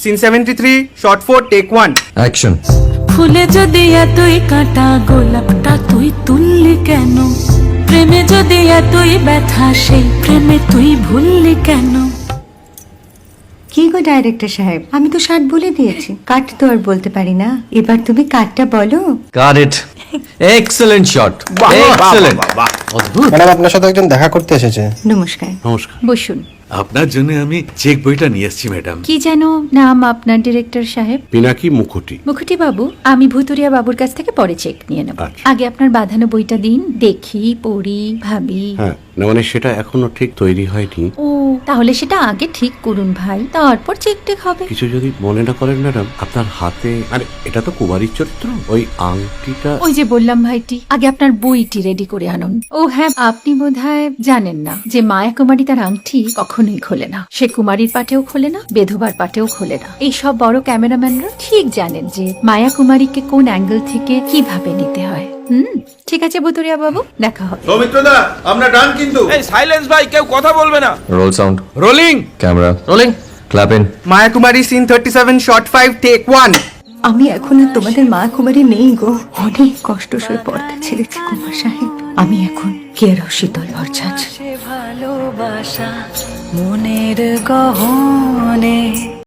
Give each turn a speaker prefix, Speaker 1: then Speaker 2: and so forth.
Speaker 1: Scene 73 short 4 take 1
Speaker 2: action.
Speaker 3: ফুলে যদি এতই কাটা গোলাপটা তুই তুললি কেন? প্রেমে যদি এতই ব্যথা সেই প্রেমে তুই ভুললি কেন?
Speaker 4: কি গো ডাইরেক্টর সাহেব, আমি তো 60 বলে দিয়েছি, কাট তো আর বলতে পারি না, এবার তুমি কাটটা বলো।
Speaker 2: Got it. Excellent shot, excellent. অদ্ভুত।
Speaker 5: ম্যাডাম আপনার সাথে একজন দেখা করতে এসেছে।
Speaker 4: নমস্কার।
Speaker 6: নমস্কার।
Speaker 7: বসুন।
Speaker 6: আপনার জন্য আমি চেক বইটা নিয়ে এসেছি ম্যাডাম।
Speaker 7: কি যেন নাম আপনার ডিরেক্টর সাহেব?
Speaker 6: পিনাকি মুখোটি।
Speaker 7: মুখুটি বাবু, আমি ভুতুরিয়া বাবুর কাছ থেকে পরে চেক নিয়ে নেব।
Speaker 6: আচ্ছা।
Speaker 7: আগে আপনার বাঁধানো বইটা দিন, দেখি, পড়ি, ভাবি।
Speaker 6: হ্যাঁ, না মানে সেটা এখনো ঠিক তৈরি হয়নি।
Speaker 7: ও, তাহলে সেটা আগে ঠিক করুন ভাই, তারপর চেক টেক হবে।
Speaker 6: কিছু যদি মনে না করেন ম্যাডাম, আপনার হাতে, আরে এটা তো কুমারীর চরিত্র, ওই আংটিটা।
Speaker 7: ওই যে বললাম ভাইটি, আগে আপনার বইটি রেডি করে আনুন। ও হ্যাঁ, আপনি বোধহয় জানেন না যে মায়া কুমারী তার আংটি কখনোই খোলে না। সে কুমারীর পাটেও খোলে না, বেধবার পাটেও খোলে না। এই সব বড় ক্যামেরাম্যানরা ঠিক জানেন যে মায়া কুমারীকে কোন অ্যাঙ্গেল থেকে কিভাবে নিতে হয়। ঠিক আছে ভুতুরিয়া বাবু, দেখা হবে।
Speaker 8: সৌমিত্রদা, আমরা ডান কিন্তু।
Speaker 1: এই সাইলেন্স ভাই, কেউ কথা বলবে না।
Speaker 2: Roll sound,
Speaker 1: rolling.
Speaker 2: Camera rolling, clap in.
Speaker 1: Maya Kumari scene 37 shot 5 take 1।
Speaker 4: আমি এখন আর তোমাদের মা কুমারী নেই গো, অনেক কষ্ট সয়ে পর্দা ছেড়েছি কুমার সাহেব। আমি এখন কেরও শীতল ভরছাছ।
Speaker 3: ভালোবাসা মনের গহনে